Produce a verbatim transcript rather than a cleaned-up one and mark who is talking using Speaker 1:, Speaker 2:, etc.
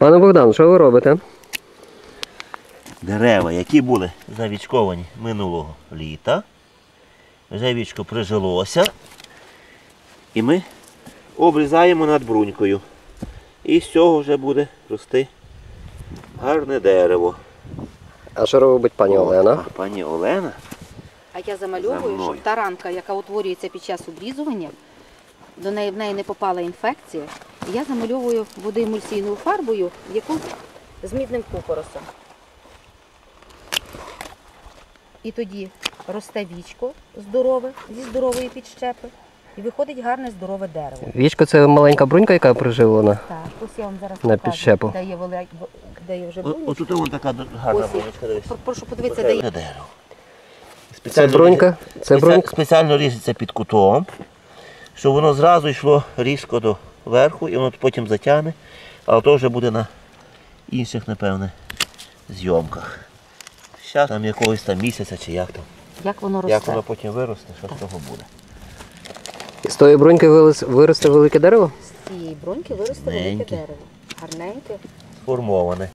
Speaker 1: Пане Богдан, що ви робите?
Speaker 2: Дерева, які були завічковані минулого літа, вже вічко прижилося, і ми обрізаємо над брунькою. І з цього вже буде рости гарне дерево.
Speaker 1: А що робить пані Олена?
Speaker 2: А пані Олена?
Speaker 3: А я замальовую, щоб та ранка, яка утворюється під час обрізування, до неї в неї не попала інфекція. І я замальовую водоемульсійною фарбою, яку з мідним купоросом. І тоді росте вічко здорове, зі здорової підщепи, і виходить гарне здорове дерево.
Speaker 1: Вічко – це маленька брунька, яка приживлена?
Speaker 3: Так, ось я вам зараз
Speaker 1: На
Speaker 3: покажу,
Speaker 1: підщепу.
Speaker 3: де є, велик... де є вже брунька.
Speaker 2: Ось тут вон така гарна
Speaker 3: Ось є.
Speaker 2: брунечка, дивись.
Speaker 3: Прошу подивитися, де є.
Speaker 2: Дерево.
Speaker 1: Це брунька? Це брунька?
Speaker 2: Спеціально ріжеться під кутом, щоб воно зразу йшло різко до верху і воно потім затягне, але то вже буде на інших, напевне, зйомках. Зараз там якогось там місяця чи як там.
Speaker 3: Як воно росте.
Speaker 2: Як воно потім виросте, що з того буде.
Speaker 1: З тої бруньки вилез- виросте велике дерево?
Speaker 3: З цієї бруньки виросте велике
Speaker 2: Гарненьке.
Speaker 3: дерево. Гарненьке.
Speaker 2: Сформоване.